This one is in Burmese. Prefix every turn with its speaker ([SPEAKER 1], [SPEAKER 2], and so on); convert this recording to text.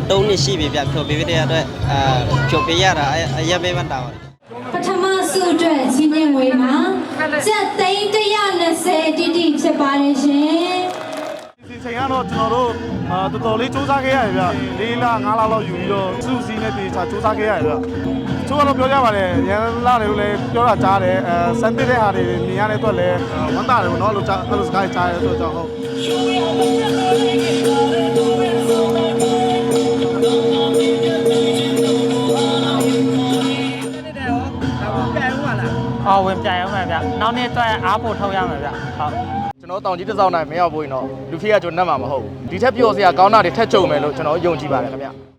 [SPEAKER 1] တုံးနှစ်ရှိပြီဗျဖြိုပေးတဲ့အတွက်ဖြိုပေးရတာအရက်ပေးမှတောင်း
[SPEAKER 2] ပထမဆုအတွက်ချင်းချင်းဝေးမှာကျက်သိန်း120တိတိဖြစ်ပါတယ်ရှင်
[SPEAKER 3] ဒီချိန်ကတော့ကျွန်တော်တို့တော်တော်လေးစူးစမ်းခဲ့ရတယ်ဗျ4လ5လလောက်ယူပြီးတော့စုစည်းနဲ့တေချာစူးစမ်းခဲ့ရတယ်ဗျချိုးကတော့ပြောကြပါတယ်ရန်လာတယ်လို့လည်းပြောတာကြားတယ်စမ်းတဲ့ဟာတွေမြင်ရတဲ့အတွက်လည်းဝမ်းသာတယ်ပေါ့နော်လို့အဲ့လိုစကားကြားရတဲ့အတွက်ကြောင့်ဟုတ်
[SPEAKER 4] ဝင်ပြိုင်အောင်ပါဗျနောက်နေ့အတွက်အားဖို့ထုတ်ရမယ်ဗျဟုတ်
[SPEAKER 5] ကျွန်တော်တောင်ကြီးတစ်စောင်းနိုင်မရောက်ဘူးရင်တော့လူဖေးကကျွန်တော်နှက်မှာမဟုတ်ဘူးဒီထက်ပြောစရာကောင်းတာတွေထက်ကြုံမယ်လို့ကျွန်တော်ယုံကြည်ပါတယ်ခင်ဗျ